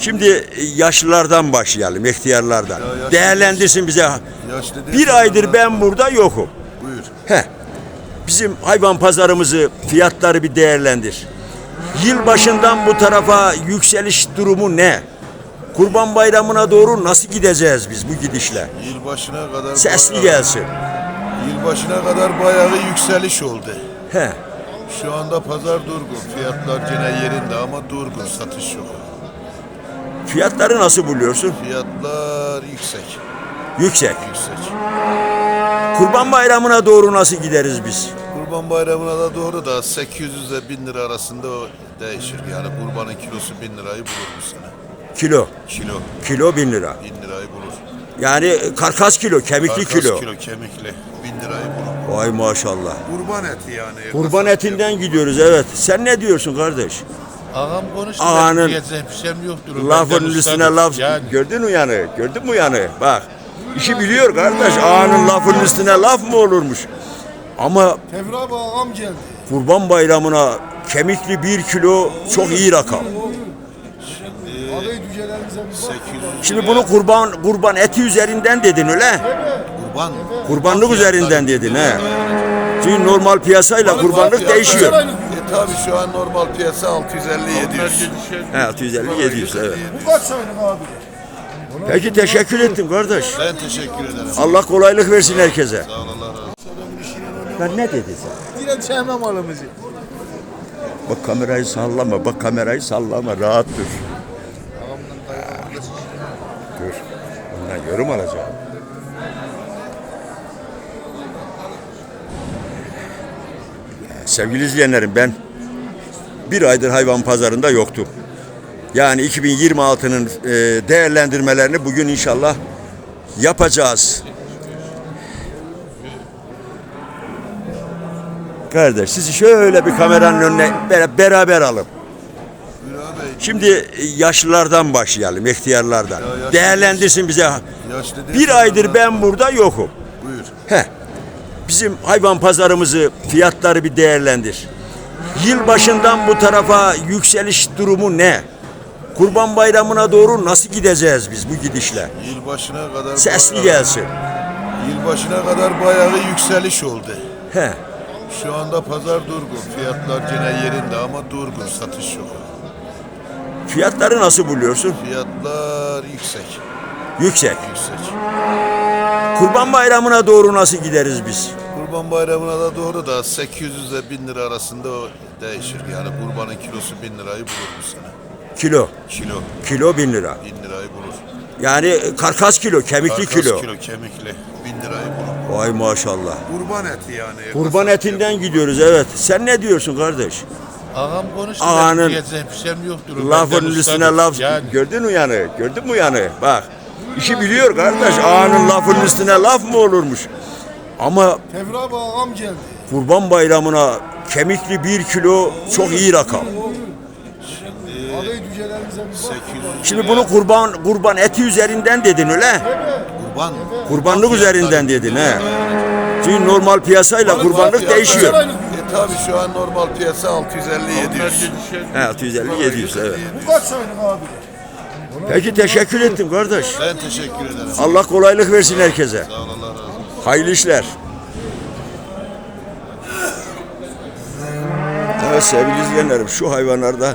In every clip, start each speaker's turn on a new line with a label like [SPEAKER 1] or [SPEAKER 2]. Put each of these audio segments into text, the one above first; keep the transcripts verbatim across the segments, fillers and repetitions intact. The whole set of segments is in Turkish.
[SPEAKER 1] Şimdi yaşlılardan başlayalım, ihtiyarlardan.
[SPEAKER 2] Ya yaşlı
[SPEAKER 1] Değerlendirsin bize.
[SPEAKER 2] Yaşlı değil,
[SPEAKER 1] Bir aydır
[SPEAKER 2] adamlar-
[SPEAKER 1] ben burada yokum.
[SPEAKER 2] Buyur.
[SPEAKER 1] Heh. Bizim hayvan pazarımızı, fiyatları bir değerlendir. Yılbaşından bu tarafa yükseliş durumu ne? Kurban Bayramı'na doğru nasıl gideceğiz biz bu gidişle?
[SPEAKER 2] Yılbaşına kadar
[SPEAKER 1] Sesli
[SPEAKER 2] bayağı-
[SPEAKER 1] gelsin.
[SPEAKER 2] Yılbaşına kadar bayağı yükseliş oldu.
[SPEAKER 1] He.
[SPEAKER 2] Şu anda pazar durgun. Fiyatlar gene yerinde ama durgun. Satış yok.
[SPEAKER 1] Fiyatları nasıl buluyorsun?
[SPEAKER 2] Fiyatlar yüksek.
[SPEAKER 1] Yüksek.
[SPEAKER 2] Yüksek.
[SPEAKER 1] Kurban Bayramı'na doğru nasıl gideriz biz?
[SPEAKER 2] Kurban Bayramı'na da doğru da sekiz yüz ile bin lira arasında o değişir. Yani kurbanın kilosu bin lirayı bulur bu sene.
[SPEAKER 1] Kilo.
[SPEAKER 2] Kilo
[SPEAKER 1] Kilo bin lira.
[SPEAKER 2] bin lirayı bulur.
[SPEAKER 1] Yani karkas kilo, kemikli
[SPEAKER 2] Karkas
[SPEAKER 1] kilo.
[SPEAKER 2] kilo kemikli bin lirayı bulur.
[SPEAKER 1] Vay maşallah.
[SPEAKER 2] Kurban eti yani.
[SPEAKER 1] Kurban etinden gidiyoruz, evet. Sen ne diyorsun kardeş?
[SPEAKER 3] Ağam konuştu.
[SPEAKER 1] Ağanın
[SPEAKER 3] Diyecek bir şeyim yoktur.
[SPEAKER 1] Lafın
[SPEAKER 3] Benden
[SPEAKER 1] üstüne
[SPEAKER 3] ustadır.
[SPEAKER 1] laf.
[SPEAKER 3] Yani.
[SPEAKER 1] Gördün mü yanı? Gördün mü yanı? Bak. İşi biliyor kardeş. Ağanın lafın üstüne laf mı olurmuş? Ama
[SPEAKER 4] Tevra abi ağam geldi.
[SPEAKER 1] Kurban Bayramı'na kemikli bir kilo çok iyi rakam.
[SPEAKER 4] Adayı cücelerimize bir bak.
[SPEAKER 2] sekiz yüz
[SPEAKER 1] Şimdi bunu kurban kurban eti üzerinden dedin öyle?
[SPEAKER 2] kurban.
[SPEAKER 1] Kurbanlık üzerinden dedin he. Çünkü normal piyasayla kurbanlık
[SPEAKER 2] Fiyatlar-
[SPEAKER 1] değişiyor.
[SPEAKER 2] E tabi şu an normal piyasa altı yüz elli yedi yüz.
[SPEAKER 1] He, altı yüz elli yedi yüz evet.
[SPEAKER 4] Bu kaç aylık abi?
[SPEAKER 1] Peki teşekkür ettim kardeş.
[SPEAKER 2] Ben teşekkür ederim.
[SPEAKER 1] Allah kolaylık versin herkese.
[SPEAKER 2] Sağ ol, Allah razı olsun.
[SPEAKER 1] Ben ne dedi sen?
[SPEAKER 4] Yine sevmem malımızı.
[SPEAKER 1] Bak kamerayı sallama, bak kamerayı sallama, rahat dur. Dur, ondan yorum alacağım. Sevgili izleyenlerim, ben bir aydır hayvan pazarında yoktum. Yani iki bin yirmi altının e, değerlendirmelerini bugün inşallah yapacağız. Kardeş, sizi şöyle bir kameranın önüne bera- beraber alın.
[SPEAKER 2] Buyur abi.
[SPEAKER 1] Şimdi yaşlılardan başlayalım, ihtiyarlardan.
[SPEAKER 2] Ya yaşlı
[SPEAKER 1] Değerlendirsin bize.
[SPEAKER 2] Yaşlı değil,
[SPEAKER 1] Bir aydır
[SPEAKER 2] adamlar-
[SPEAKER 1] ben burada yokum.
[SPEAKER 2] Buyur.
[SPEAKER 1] Heh. Bizim hayvan pazarımızı, fiyatları bir değerlendir. Yılbaşından bu tarafa yükseliş durumu ne? Kurban Bayramı'na doğru nasıl gideceğiz biz bu gidişle?
[SPEAKER 2] Yılbaşına kadar
[SPEAKER 1] Sesli
[SPEAKER 2] bayağı-
[SPEAKER 1] gelsin.
[SPEAKER 2] Yılbaşına kadar bayağı yükseliş oldu.
[SPEAKER 1] He.
[SPEAKER 2] Şu anda pazar durgun. Fiyatlar gene yerinde ama durgun. Satış yok.
[SPEAKER 1] Fiyatları nasıl buluyorsun?
[SPEAKER 2] Fiyatlar yüksek.
[SPEAKER 1] Yüksek.
[SPEAKER 2] Yüksek.
[SPEAKER 1] Kurban Bayramı'na doğru nasıl gideriz biz?
[SPEAKER 2] Kurban Bayramı'na da doğru da sekiz yüz ile bin lira arasında o değişir. Yani kurbanın kilosu bin lirayı bulur bu sene.
[SPEAKER 1] Kilo.
[SPEAKER 2] Kilo
[SPEAKER 1] Kilo bin lira.
[SPEAKER 2] bin lirayı bulur.
[SPEAKER 1] Yani karkas kilo, kemikli
[SPEAKER 2] Karkas
[SPEAKER 1] kilo.
[SPEAKER 2] kilo kemikli bin lirayı bulur.
[SPEAKER 1] Vay maşallah.
[SPEAKER 2] Kurban eti yani.
[SPEAKER 1] Kurban etinden gidiyoruz, evet. Sen ne diyorsun kardeş?
[SPEAKER 3] Ağam konuştu.
[SPEAKER 1] Ağanın
[SPEAKER 3] Diyecek bir şeyim yoktur.
[SPEAKER 1] Lafın
[SPEAKER 3] Benden
[SPEAKER 1] üstüne
[SPEAKER 3] ustadır.
[SPEAKER 1] laf.
[SPEAKER 3] Yani.
[SPEAKER 1] Gördün mü yanı? Gördün mü yanı? Bak. İşi biliyor kardeş. Ağanın lafın üstüne laf mı olurmuş? Ama
[SPEAKER 4] Tevra abi ağam geldi.
[SPEAKER 1] Kurban Bayramı'na kemikli bir kilo çok iyi rakam.
[SPEAKER 4] Adayı cücelerimize bir bak.
[SPEAKER 2] sekiz yüz
[SPEAKER 1] Şimdi bunu kurban kurban eti üzerinden dedin öyle?
[SPEAKER 2] kurban.
[SPEAKER 1] Kurbanlık üzerinden dedin he. Çünkü normal piyasayla kurbanlık
[SPEAKER 2] Fiyatlar-
[SPEAKER 1] değişiyor.
[SPEAKER 2] E tabi şu an normal piyasa altı yüz elli yedi yüz.
[SPEAKER 1] He, altı yüz elli yedi yüz evet.
[SPEAKER 4] Bu kaç aylık abi?
[SPEAKER 1] Peki teşekkür ettim kardeş.
[SPEAKER 2] Ben teşekkür ederim.
[SPEAKER 1] Allah kolaylık versin herkese.
[SPEAKER 2] Sağ ol, Allah razı olsun.
[SPEAKER 1] Hayırlı işler. Evet sevgili izleyenlerim, şu hayvanlarda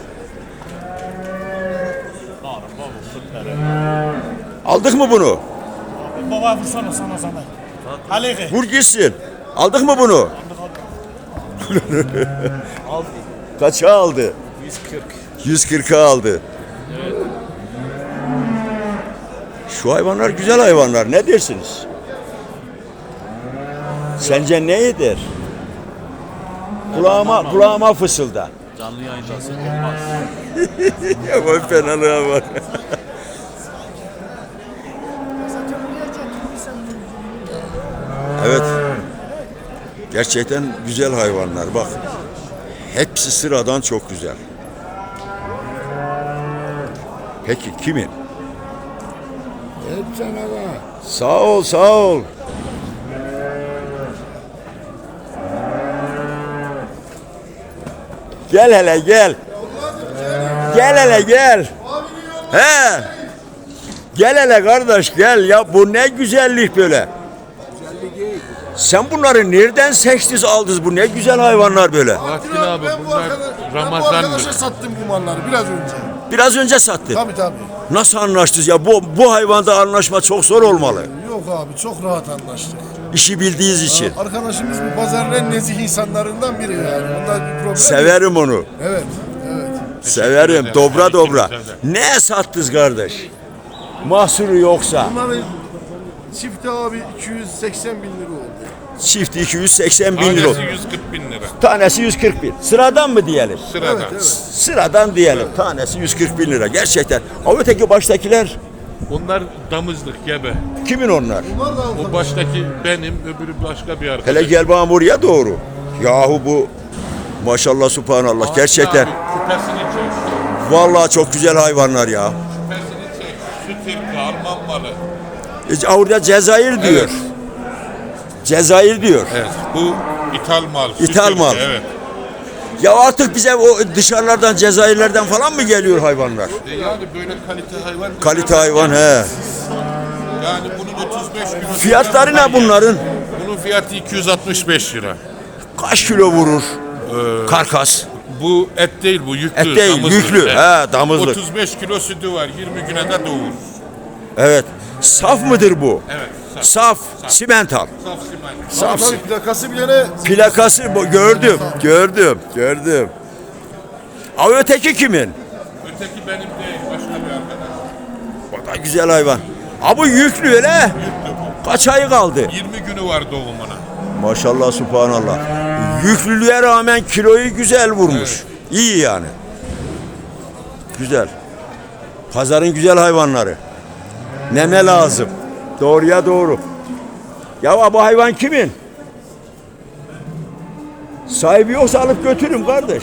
[SPEAKER 1] aldık mı bunu?
[SPEAKER 5] Baba vursana sana sana. Aleyhi.
[SPEAKER 1] Vur gitsin. Aldık mı bunu? Kaça aldı?
[SPEAKER 5] yüz kırk.
[SPEAKER 1] yüz kırka aldı. Şu hayvanlar güzel hayvanlar. Ne dersiniz? Sence ne eder? Kulağıma, kulağıma fısılda.
[SPEAKER 5] Canlı yayındasın olmaz.
[SPEAKER 1] Ya bu fenalığa var. Evet. Gerçekten güzel hayvanlar. Bak. Hepsi sıradan çok güzel. Peki kimin?
[SPEAKER 4] Hep sana bak.
[SPEAKER 1] Sağ ol, sağ ol. Gel hele gel. Gel hele gel.
[SPEAKER 4] Abinin
[SPEAKER 1] He. Gel hele kardeş gel ya bu ne güzellik böyle. Sen bunları nereden seçtiniz aldınız bu ne güzel hayvanlar böyle.
[SPEAKER 3] Vaktin abi
[SPEAKER 4] Ben bu
[SPEAKER 3] bunlar
[SPEAKER 4] arkadaş- Ben bu
[SPEAKER 3] Ramazan'dır.
[SPEAKER 4] arkadaşa sattım bu malları biraz önce.
[SPEAKER 1] Biraz önce sattın.
[SPEAKER 4] Tabii tabii.
[SPEAKER 1] Nasıl anlaştınız ya bu bu hayvanda anlaşma çok zor olmalı.
[SPEAKER 4] Yok abi çok rahat anlaştık.
[SPEAKER 1] İşi bildiğiniz için.
[SPEAKER 4] Arkadaşımız bu pazarın en nezih insanlarından biri yani. Bunda bir problem yok.
[SPEAKER 1] Severim onu.
[SPEAKER 4] Evet, evet.
[SPEAKER 1] Severim.
[SPEAKER 3] ederim.
[SPEAKER 1] Dobra dobra.
[SPEAKER 3] Teşekkür ederim.
[SPEAKER 1] Ne sattınız kardeş? Mahsuru yoksa.
[SPEAKER 4] Bunların çifti abi iki yüz seksen bin lira oldu.
[SPEAKER 1] Çift iki yüz seksen bin lira.
[SPEAKER 3] Tanesi yüz kırk bin lira.
[SPEAKER 1] Tanesi yüz kırk bin. Sıradan mı diyelim?
[SPEAKER 3] Sıradan.
[SPEAKER 4] Evet, evet.
[SPEAKER 1] Sıradan diyelim. Tanesi yüz kırk bin lira. Gerçekten. O öteki baştakiler
[SPEAKER 3] Onlar damızlık gebe.
[SPEAKER 1] kimin onlar?
[SPEAKER 4] Bunlar da
[SPEAKER 3] O baştaki benim, öbürü başka bir arkadaş.
[SPEAKER 1] Hele gel bana buraya doğru. Yahu bu maşallah subhanallah gerçekten.
[SPEAKER 3] Abi, küpesini çek.
[SPEAKER 1] Vallahi çok güzel hayvanlar ya.
[SPEAKER 3] Küpesini çek. Süt ırkı, Alman malı.
[SPEAKER 1] E, Orada Cezayir diyor.
[SPEAKER 3] Evet.
[SPEAKER 1] Cezayir diyor.
[SPEAKER 3] Evet. Bu ithal mal. süt
[SPEAKER 1] İthal
[SPEAKER 3] ırkı,
[SPEAKER 1] mal.
[SPEAKER 3] Evet.
[SPEAKER 1] Ya artık bize o dışarılardan Cezayirlerden falan mı geliyor hayvanlar?
[SPEAKER 3] E yani böyle kalite hayvan.
[SPEAKER 1] Kalite hayvan he.
[SPEAKER 3] Yani bunun otuz beş kilo.
[SPEAKER 1] Fiyatları ne bunların?
[SPEAKER 3] Bunun fiyatı iki yüz altmış beş lira.
[SPEAKER 1] Kaç kilo vurur? Karkas.
[SPEAKER 3] Bu et değil, bu yüklü.
[SPEAKER 1] Et değil,
[SPEAKER 3] damızlık.
[SPEAKER 1] yüklü.
[SPEAKER 3] Evet.
[SPEAKER 1] He, damızlık.
[SPEAKER 3] otuz beş kilo sütü var, yirmi güne de doğur.
[SPEAKER 1] Evet. Saf mıdır bu?
[SPEAKER 3] Evet. Saf.
[SPEAKER 1] Saf, simental.
[SPEAKER 3] Saf simen.
[SPEAKER 1] Saf.
[SPEAKER 4] tabii plakası bile ne?
[SPEAKER 1] Plakası bu gördüm, gördüm, gördüm. Ama öteki kimin?
[SPEAKER 3] Öteki benim değil, başka bir arkadaş.
[SPEAKER 1] O da güzel hayvan. Abi bu yüklü öyle. Kaç ayı kaldı?
[SPEAKER 3] yirmi günü var doğumuna.
[SPEAKER 1] Maşallah subhanallah. Yüklülüğe rağmen kiloyu güzel vurmuş. İyi yani. Güzel. Pazarın güzel hayvanları. Neme lazım. Doğruya doğru. Ya bu hayvan kimin? Sahibi yoksa alıp götürün kardeş.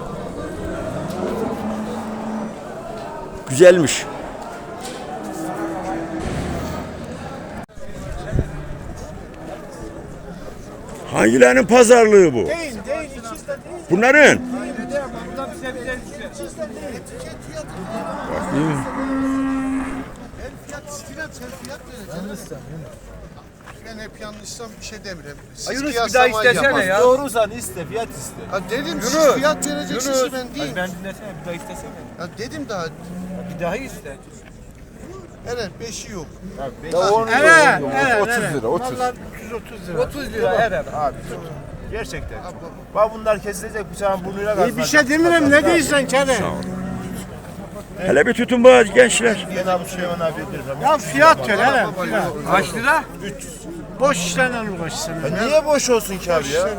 [SPEAKER 1] Güzelmiş. Hangilerinin pazarlığı bu?
[SPEAKER 5] Değil, değil, ikisi de değil.
[SPEAKER 1] Bunların.
[SPEAKER 5] Burada bize bize
[SPEAKER 6] Ben hep yanlışsam bir şey demiyorum. Siz
[SPEAKER 7] Yunus bir daha
[SPEAKER 6] kıyaslama
[SPEAKER 7] istesene
[SPEAKER 6] yapın.
[SPEAKER 7] ya. Doğrusan iste, fiyat iste.
[SPEAKER 6] Ha dedim siz
[SPEAKER 7] Yunus,
[SPEAKER 6] fiyat vereceksiniz
[SPEAKER 7] Yunus.
[SPEAKER 6] ben değil.
[SPEAKER 7] Ay ben dinlesene bir daha istesene.
[SPEAKER 6] Ya dedim daha.
[SPEAKER 7] Bir daha iste.
[SPEAKER 6] Evet beşi yok.
[SPEAKER 5] Evet, evet, otuz lira, otuz. Vallahi yüz otuz lira.
[SPEAKER 7] otuz lira eder abi. Gerçekten. Bak bunlar kesilecek bıçağın burnuyla kalsın.
[SPEAKER 5] Bir şey demiyorum, ne diyorsun Kere?
[SPEAKER 1] Hele bir tutun bu gençler.
[SPEAKER 7] Ben abi Süleyman abi ediyorum.
[SPEAKER 5] Ya fiyat ver hele.
[SPEAKER 7] Kaç lira?
[SPEAKER 5] Boş işlerle uğraşsın.
[SPEAKER 7] Niye boş olsun ki abi ya?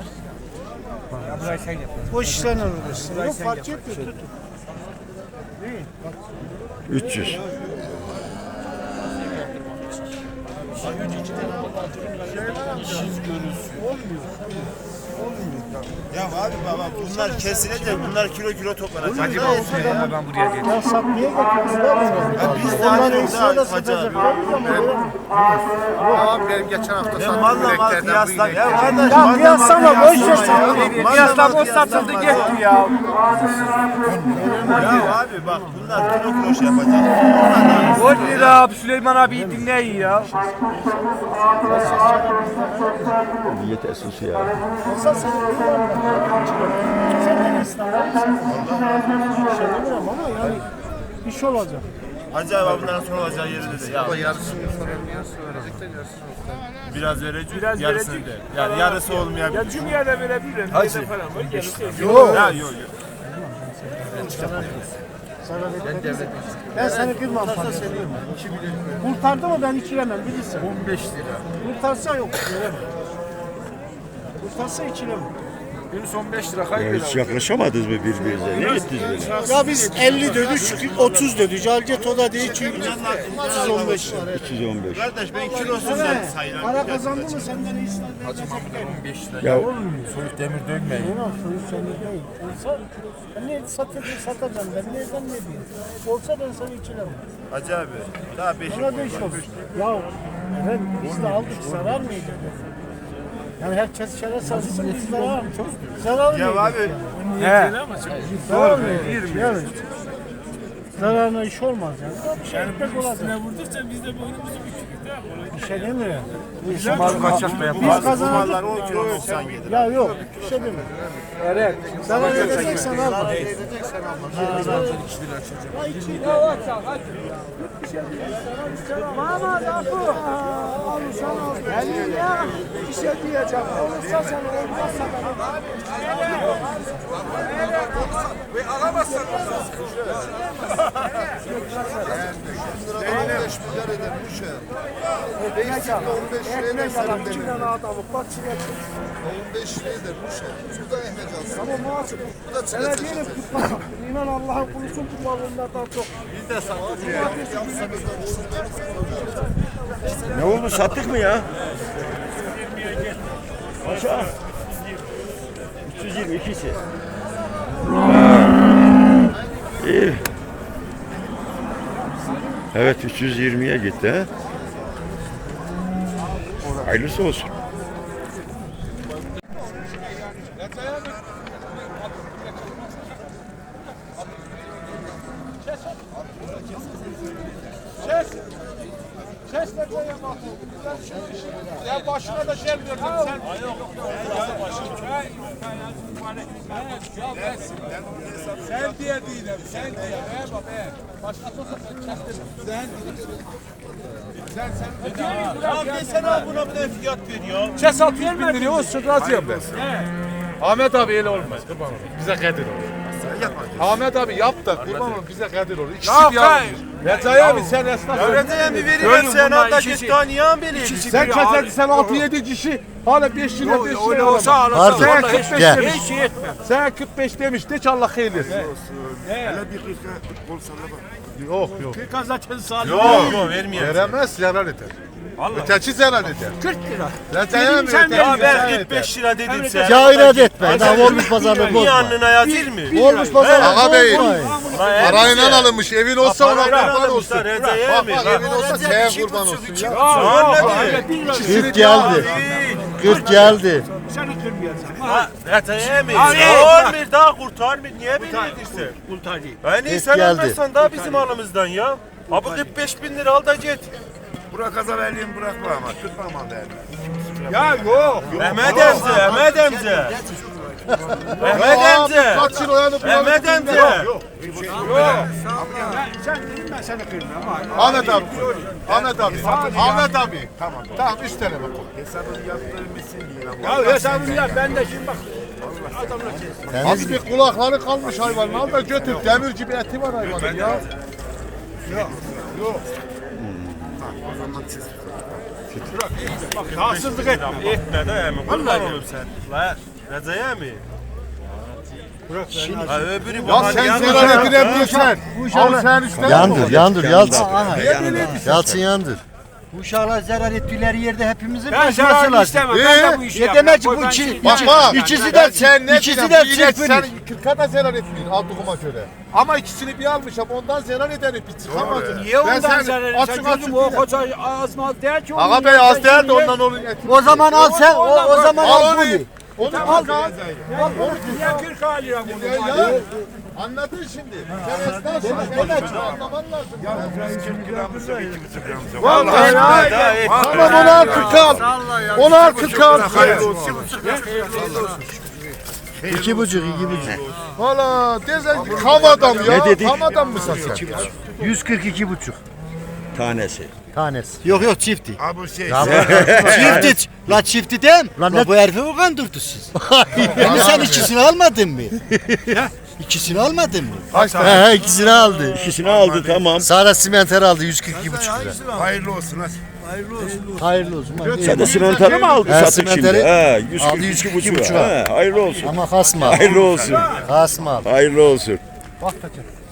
[SPEAKER 5] Boş işlerle uğraşsın. Yok fark etmiyor. Tut.
[SPEAKER 1] üç yüz.
[SPEAKER 7] Ya abi baba bunlar kesilecek, bunlar kilo kilo toplanacak. Hacı
[SPEAKER 5] Ya satmaya getiriyorlar.
[SPEAKER 7] biz de alıyoruz ha hacı abi.
[SPEAKER 6] Abi benim geçen hafta
[SPEAKER 7] Ben
[SPEAKER 6] sattığım
[SPEAKER 7] malla mal
[SPEAKER 6] bileklerden bu
[SPEAKER 7] kıyasla.
[SPEAKER 6] inek.
[SPEAKER 7] Ya kardeş
[SPEAKER 5] Ya
[SPEAKER 7] malla
[SPEAKER 5] kıyaslama,
[SPEAKER 7] mal
[SPEAKER 5] boş ver
[SPEAKER 7] kıyaslama
[SPEAKER 5] sen.
[SPEAKER 7] ya. Malla
[SPEAKER 5] Kıyaslama,
[SPEAKER 7] mal
[SPEAKER 5] o satıldı
[SPEAKER 7] kıyaslama
[SPEAKER 5] gitti ya.
[SPEAKER 7] Ya abi bak bunlar kilo kilo şey yapacak.
[SPEAKER 5] on lira abi Süleyman abi dinleyin ya.
[SPEAKER 1] Yeter sus ya.
[SPEAKER 5] Ama yani iş olacak.
[SPEAKER 7] Hacı abi bunların son olacağı yeri dedi. Ya
[SPEAKER 6] Yarısını soran yarısı verecekler yarısını yok.
[SPEAKER 7] biraz verecek, biraz yarısını de. Yani yarısı olmayabilir.
[SPEAKER 5] Ya Cumhuriyet'e verebilirim.
[SPEAKER 7] Hacı.
[SPEAKER 5] Yok.
[SPEAKER 7] Ya yok yok.
[SPEAKER 5] Ben seni kırmam fazla. Kurtardı mı ben ikilemem bilirsin.
[SPEAKER 6] on beş lira.
[SPEAKER 5] Kurtarsa yok. Veremem. Kurtarsa ikilemem.
[SPEAKER 6] Yunus on beş lira
[SPEAKER 1] Ya
[SPEAKER 6] kaybeder.
[SPEAKER 1] hiç yaklaşamadınız mı birbirinize? Ne gittiniz böyle?
[SPEAKER 5] Ya biz elli dedik, otuz dedik. Calget o da değil çünkü otuz on beş lira.
[SPEAKER 1] üç yüz on beş.
[SPEAKER 7] Kardeş ben kilosuzdan
[SPEAKER 5] Evet.
[SPEAKER 7] sayıyorum.
[SPEAKER 5] Para kazandı mı senden iyisini verecekler.
[SPEAKER 1] Ya
[SPEAKER 7] Soyut demir dökmeyin.
[SPEAKER 5] Yok, soyu sende değil. Olsa, ben ne satacağım, satacağım ben nereden ne diyeyim? Olsa ben sana ikilemem.
[SPEAKER 7] Hacı abi daha beş
[SPEAKER 5] Bana beş olur. Ya evet, biz de aldık, zarar mıydı? Yani herkes şere satsın, biz zarar mı? Zarar mıydı?
[SPEAKER 7] Ya abi
[SPEAKER 5] He. Zarar mıydı? Yani. Zararına iş olmaz yani. Bir şey ekmek olacak.
[SPEAKER 3] vurdukça biz de boynumuzu bükürüz. Değil mi?
[SPEAKER 5] Bir şey demiyor. Biz,
[SPEAKER 7] Mal kaçak be.
[SPEAKER 5] biz kazanacak.
[SPEAKER 7] on kilo doksan yedi.
[SPEAKER 5] Ya yok, bir şey demiyor. Evet. Zarar edeceksen al. Zarar edeceksen al. Mama kapı. Alırsan al. Ben ya bir şey diyeceğim. Olursa sen olmazsa
[SPEAKER 2] on beş milyar eder bu şey. on beş lira eder senin demin. on beş lira eder bu şey. Bu da ehmek alsın.
[SPEAKER 5] Ama muhasip.
[SPEAKER 2] Bu da
[SPEAKER 5] Sana
[SPEAKER 2] çile
[SPEAKER 5] diyelim
[SPEAKER 2] çeşit.
[SPEAKER 5] tutma. İnan Allah'ın kulusun tutma bunlardan çok. Biz de sattık ya.
[SPEAKER 1] Ne oldu, sattık mı ya? Aşağı. üç yüz yirmi ikisi. İyi. Evet, üç yüz yirmiye gitti ha. Hayırlısı olsun.
[SPEAKER 3] Ya başına da şey verdim sen. Sen diye değilim, sen diye. He baba he. Başkası olsa sen kestim. Sen Sen sen. Ya desene abi buna bir de fiyat veriyor. Kes altı yüz bin liraya olsun razıyım ben. Ahmet abi öyle olmaz kurban olayım. Bize kadir olur. Ahmet abi yap da kurban olayım bize kadir olur. İkisi bir almış. Recai abi sen esnaf.
[SPEAKER 7] Recai abi verirler sen hatta git tanıyan beni.
[SPEAKER 3] Sen keserdi sen altı yedi kişi hala beş lira beş lira.
[SPEAKER 7] Öyle olsa
[SPEAKER 3] alamaz.
[SPEAKER 7] alırsa
[SPEAKER 3] Sen
[SPEAKER 7] vallahi
[SPEAKER 3] kırk beş
[SPEAKER 8] gel.
[SPEAKER 3] demiş. Sen kırk beş demiş de Allah hayırlı etsin. Yok yok.
[SPEAKER 5] Kırk zaten sağlık.
[SPEAKER 7] Yok yok vermiyor.
[SPEAKER 3] Veremez zarar eder. Öteki zarar eder.
[SPEAKER 5] kırk lira.
[SPEAKER 3] Recai abi
[SPEAKER 5] sen
[SPEAKER 3] öteki
[SPEAKER 7] Ya
[SPEAKER 3] zarar
[SPEAKER 7] ben
[SPEAKER 3] eder.
[SPEAKER 7] kırk beş lira dedim sen.
[SPEAKER 8] Ya inat etme. Daha olmuş pazarlık
[SPEAKER 7] Niye
[SPEAKER 8] bozma.
[SPEAKER 7] alnına yazır mı?
[SPEAKER 8] Olmuş pazarlık
[SPEAKER 3] Ağa bey.
[SPEAKER 8] bozma.
[SPEAKER 3] Parayla alınmış evin olsa ona
[SPEAKER 7] Parayla
[SPEAKER 3] kurban
[SPEAKER 7] alınmışlar,
[SPEAKER 3] olsun.
[SPEAKER 7] Recai
[SPEAKER 3] Bak
[SPEAKER 7] abi.
[SPEAKER 3] bak evin olsa şeye kurban olsun ya.
[SPEAKER 7] Anladın.
[SPEAKER 8] Kırk geldi. Kırk geldi.
[SPEAKER 5] Seni kırmayacağım.
[SPEAKER 7] Ha, Recai abi. Olmuyor daha kurtarmıyor. Niye beni yedirsin?
[SPEAKER 5] Kurtarayım.
[SPEAKER 7] Ben iyi
[SPEAKER 8] Kırk
[SPEAKER 7] sen
[SPEAKER 8] geldi.
[SPEAKER 7] almazsan daha bizim alımızdan ya. Abi kırk beş bin lira al da git.
[SPEAKER 2] Burak Azareli'yi bırakma ama. Tutmam ama değerli.
[SPEAKER 3] Ya yok.
[SPEAKER 7] Mehmet emze, Mehmet emze. Mehmet emze.
[SPEAKER 3] Kaç yıl oyanıp
[SPEAKER 7] Mehmet emze.
[SPEAKER 5] Sen dedim ben seni kırmıyorum. ama-
[SPEAKER 3] Ahmet abi. Ahmet abi. Ahmet abi. Tamam. Tamam üç tane bak.
[SPEAKER 2] Hesabını yaptırmışsın diye. ama.
[SPEAKER 5] Ya hesabını yap ben de şimdi bak. Adamla kes.
[SPEAKER 3] Abi bir kulakları kalmış hayvanın. Al da götür. Demir gibi eti var hayvanın ya.
[SPEAKER 5] Bak haksızlık etme.
[SPEAKER 7] Etme de emi. Kurban olurum sen. La Recai abi. Ha öbürü
[SPEAKER 3] Ya
[SPEAKER 7] bahane
[SPEAKER 3] sen
[SPEAKER 7] yanlış.
[SPEAKER 3] zarar edirebilirsen. Al sen üstten.
[SPEAKER 8] Yandır, yandır, yalçın.
[SPEAKER 3] Niye
[SPEAKER 8] Yalçın yandır.
[SPEAKER 9] Bu uşaklar zarar ettikleri yerde hepimizin
[SPEAKER 5] Ben
[SPEAKER 9] başması
[SPEAKER 5] zarar
[SPEAKER 9] lazım.
[SPEAKER 5] istemem.
[SPEAKER 3] Ee,
[SPEAKER 5] Ben de bu işi
[SPEAKER 9] Ne
[SPEAKER 5] yapmam.
[SPEAKER 9] demek ki
[SPEAKER 5] Koy
[SPEAKER 9] bu
[SPEAKER 5] ben
[SPEAKER 9] iki,
[SPEAKER 5] şimdi-
[SPEAKER 3] Bak bak.
[SPEAKER 9] ikisi
[SPEAKER 3] Ben
[SPEAKER 9] de
[SPEAKER 3] sen ne
[SPEAKER 9] ikisi
[SPEAKER 3] diyorsun?
[SPEAKER 9] de
[SPEAKER 3] Bir inek
[SPEAKER 9] çırpınır.
[SPEAKER 3] sen kırka da zarar etmiyor aldığıma göre. Ama ikisini bir almışım ondan zarar eder bir çıkamazsın.
[SPEAKER 5] Niye ondan
[SPEAKER 3] sen
[SPEAKER 5] zarar
[SPEAKER 3] açık
[SPEAKER 5] edeceksin?
[SPEAKER 3] açık
[SPEAKER 5] Gözüm o
[SPEAKER 3] bile-
[SPEAKER 5] koca az mal değil ki.
[SPEAKER 3] Ağa bey az değil de ondan onun eti.
[SPEAKER 9] O zaman al sen, o, o zaman
[SPEAKER 3] Al
[SPEAKER 9] al
[SPEAKER 3] onu.
[SPEAKER 9] bunu.
[SPEAKER 3] Onu al.
[SPEAKER 5] Niye kırk alıyor bunu?
[SPEAKER 3] Ya, ya. Anladın şimdi. Sen esnafsın. Sen de anlaman lazım. Ya Vallahi
[SPEAKER 7] Etme
[SPEAKER 3] ya.
[SPEAKER 7] daha etme.
[SPEAKER 3] Tamam onu al kırk al. Onu al kırk al.
[SPEAKER 8] İki buçuk, iki buçuk.
[SPEAKER 3] Valla dezen kam adam ya.
[SPEAKER 1] Ne dedik?
[SPEAKER 3] Kam adam mısın sen?
[SPEAKER 8] Yüz kırk iki buçuk
[SPEAKER 1] Tanesi.
[SPEAKER 8] tanesi.
[SPEAKER 9] Yok yok çifti.
[SPEAKER 2] Ha bu şey.
[SPEAKER 9] Çifti. La çifti dem.
[SPEAKER 8] Lan
[SPEAKER 9] La
[SPEAKER 8] ne-
[SPEAKER 9] bu herifi mi kandırdı siz? Yani sen ikisini almadın mı? İkisini almadın mı?
[SPEAKER 8] He he ikisini aldı.
[SPEAKER 1] İkisini aldı, tamam.
[SPEAKER 8] Sara simenter aldı yüz kırk iki buçuk lira.
[SPEAKER 2] Hayırlı olsun hadi.
[SPEAKER 8] Hayırlı olsun. hadi.
[SPEAKER 1] Sen de simentarı mı aldın,
[SPEAKER 8] He,
[SPEAKER 1] sattık şimdi?
[SPEAKER 8] simenteri
[SPEAKER 1] He, yüz
[SPEAKER 8] aldı,
[SPEAKER 1] kırk
[SPEAKER 8] yüz
[SPEAKER 1] iki
[SPEAKER 8] kırk iki
[SPEAKER 1] buçuğa.
[SPEAKER 8] buçuğa.
[SPEAKER 1] He, hayırlı olsun.
[SPEAKER 8] Ama kasma.
[SPEAKER 1] Hayırlı olsun.
[SPEAKER 8] Kasma.
[SPEAKER 1] Hayırlı olsun.
[SPEAKER 3] Bak Tekin.